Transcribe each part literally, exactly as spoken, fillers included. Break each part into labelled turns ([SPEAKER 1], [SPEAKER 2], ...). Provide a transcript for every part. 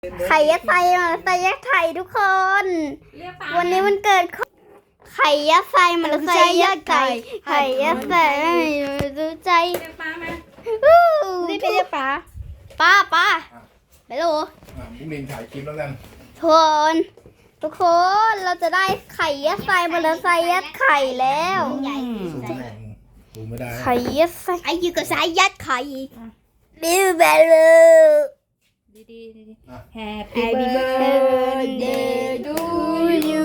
[SPEAKER 1] ไข่ยัดไส้มาใส่ยัดไข่ทุกคนวันนี้มันเกิดไข่ยัดไส้มาใส่ยัดไข่ไข่ยัดไส้ดูใจนี่เป็นป้าป้าป้าไม่รู้
[SPEAKER 2] บุ้งลินถ่ายคลิปแล้วกัน
[SPEAKER 1] ทุกคนทุกคนเราจะได้ไข่ยัดไส้มาใส่ยัดไข่แล้ว
[SPEAKER 2] ดูไม่ได้
[SPEAKER 1] ไข่ยัดไส้ไอ้ยูก็ใส่ยัดไข่บิวเบลดีดีดี Happy birthday to you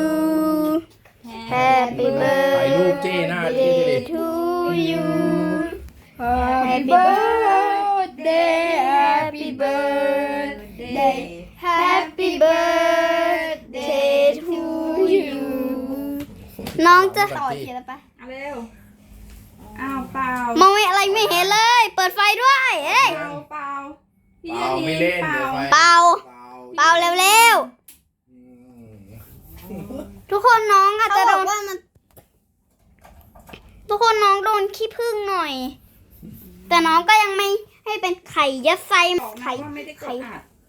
[SPEAKER 1] Happy birthday to you Happy birthday Happy birthday Happy birthday to you น้องจะต่อทีละไป
[SPEAKER 3] เอาเร็วอ้าวเปล่าม
[SPEAKER 1] องไม่อะไรไม่เห็นเลยเปิดไฟด้วยเอ้ย
[SPEAKER 3] เปล่าเปล่าพี่
[SPEAKER 2] เปล่าไม่เล่น
[SPEAKER 3] เปล่า
[SPEAKER 1] เปล่าเปล่าเร็วๆทุกคนน้องอาจจะโดนทุกคนน้องโดนขี้ผึ้งหน่อยแต่น้องก็ยังไม่ให้เป็นไข่ยัดไส้ไข่ไข่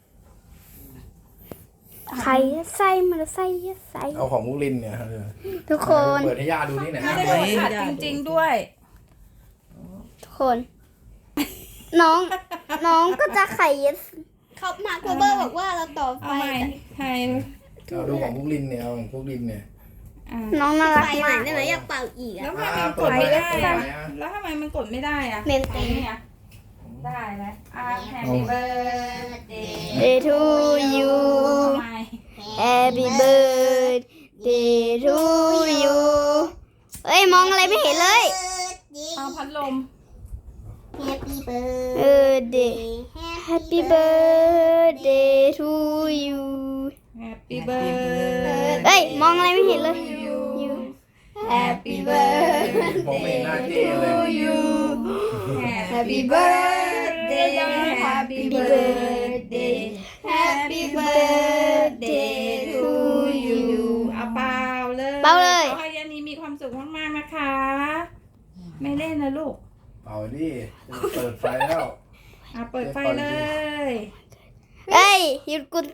[SPEAKER 1] ไข่ยัดไส้มันไส้ยัดไส้
[SPEAKER 2] เอาของบุ้งลินเนี่ย
[SPEAKER 1] ทุกคน
[SPEAKER 2] เปิดให้ย่าดูนี่หน่อย
[SPEAKER 3] ไม่ได้กดอัดจริงๆด้วย
[SPEAKER 1] ทุกคนน้องน้องก็จะไข่ยัดเขามาโคเบอร์บอกว่าเราต่อไฟ
[SPEAKER 3] ใคร
[SPEAKER 2] เอาดูของบุ้งลินเนี่ยเอาของบุ้งลินเนี่ย
[SPEAKER 1] น้องน่ารักมากได้ไหมอยากเป่าอีก
[SPEAKER 3] แล้วทำไมมันกดไม่ได้แล้วทำไมมันกดไม่ได้อะ
[SPEAKER 1] เมนตี
[SPEAKER 3] เนี่ยได้แล้วอ่า Happy birthday
[SPEAKER 1] to you Happy birthday to you เอ้ยมองอะไรไม่เห็นเลย
[SPEAKER 3] เอาพัดลม
[SPEAKER 1] Happy birthday Happy birthday to you
[SPEAKER 3] Happy birthday
[SPEAKER 1] เอ้ยมองอะไรไม่เห็นเลย
[SPEAKER 3] Happy birthday
[SPEAKER 2] มองไม่เห็นหน้าเจ๊เลย
[SPEAKER 3] Happy birthday Happy birthday Happy birthday to you เอาเปล่าเลย
[SPEAKER 1] เปล่าเลย
[SPEAKER 3] ขอให้ยานีมีความสุขมากๆนะคะไม่เล่นนะลูก
[SPEAKER 2] เป่าดิเปิดไฟแล้ว
[SPEAKER 3] อ่ะเปิดไฟเลย
[SPEAKER 1] เอ้ยหยุดกุน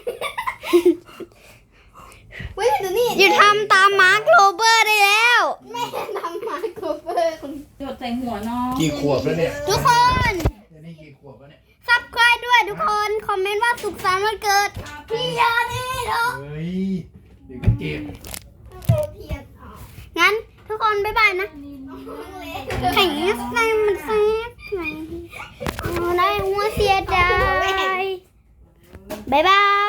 [SPEAKER 1] หยุดทำตามมาร์คโรเบอร์ได้แล้วแม่ทำมาร์คโรเบอร์
[SPEAKER 3] หยดใส่หัวน้อง
[SPEAKER 2] กี่ขวบแล้วเนี่ย
[SPEAKER 1] ทุกคน
[SPEAKER 2] นี่กี่ขวบแล้วเนี่ย
[SPEAKER 1] ซับสไครบ์ด้วยทุกคนคอมเมนต์ว่าสุขสันต์วันเกิดพี่ยานีเนาะ
[SPEAKER 2] เฮ้ยเดี๋ยวก็เจ็บ
[SPEAKER 1] งั้นทุกคนบ๊ายบายนะแข่งแซ่บมันแซ่บไหนเอาได้หัวเสียดายบ๊ายบาย